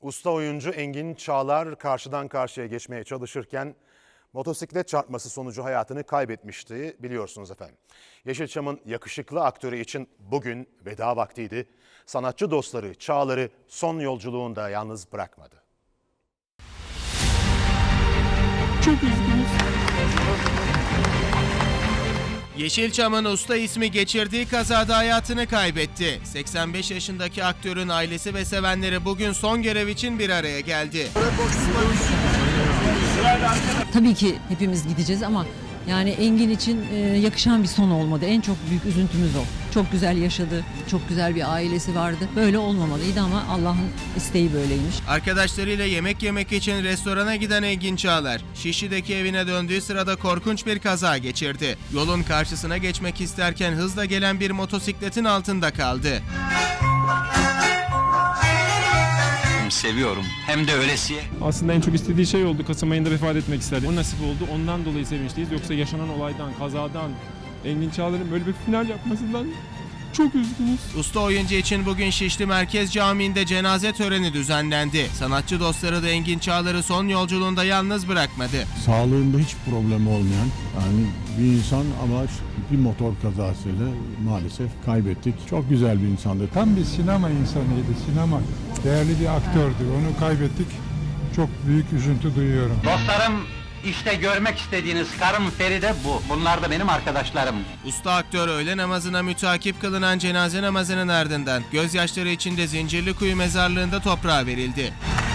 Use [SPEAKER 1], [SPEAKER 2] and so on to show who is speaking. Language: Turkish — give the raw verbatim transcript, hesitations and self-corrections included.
[SPEAKER 1] Usta oyuncu Engin Çağlar karşıdan karşıya geçmeye çalışırken motosiklet çarpması sonucu hayatını kaybetmişti, biliyorsunuz efendim. Yeşilçam'ın yakışıklı aktörü için bugün veda vaktiydi. Sanatçı dostları Çağlar'ı son yolculuğunda yalnız bırakmadı.
[SPEAKER 2] Çok üzgünüz.
[SPEAKER 3] Yeşilçam'ın usta ismi geçirdiği kazada hayatını kaybetti. seksen beş yaşındaki aktörün ailesi ve sevenleri bugün son görev için bir araya geldi.
[SPEAKER 4] Tabii ki hepimiz gideceğiz ama yani Engin için e, yakışan bir son olmadı. En çok büyük üzüntümüz o. Çok güzel yaşadı, çok güzel bir ailesi vardı. Böyle olmamalıydı ama Allah'ın isteği böyleymiş.
[SPEAKER 3] Arkadaşlarıyla yemek yemek için restorana giden Engin Çağlar, Şişli'deki evine döndüğü sırada korkunç bir kaza geçirdi. Yolun karşısına geçmek isterken hızla gelen bir motosikletin altında kaldı.
[SPEAKER 5] Seviyorum. Hem de öylesiye.
[SPEAKER 2] Aslında en çok istediği şey oldu. Kasım ayında vefat etmek istedi. O nasip oldu. Ondan dolayı sevinçliyiz. Yoksa yaşanan olaydan, kazadan, Engin Çağlar'ın böyle bir final yapmasından çok üzgünüz.
[SPEAKER 3] Usta oyuncu için bugün Şişli Merkez Camii'nde cenaze töreni düzenlendi. Sanatçı dostları da Engin Çağlar'ı son yolculuğunda yalnız bırakmadı.
[SPEAKER 6] Sağlığında hiç problemi olmayan yani bir insan ama bir motor kazasıyla maalesef kaybettik. Çok güzel bir insandı.
[SPEAKER 7] Tam bir sinema insanıydı, sinema. Değerli bir aktördü, onu kaybettik. Çok büyük üzüntü duyuyorum.
[SPEAKER 5] Dostlarım, işte görmek istediğiniz karım Feride bu. Bunlar da benim arkadaşlarım.
[SPEAKER 3] Usta aktör öğle namazına mütakip kılınan cenaze namazının ardından gözyaşları içinde Zincirlikuyu mezarlığında toprağa verildi.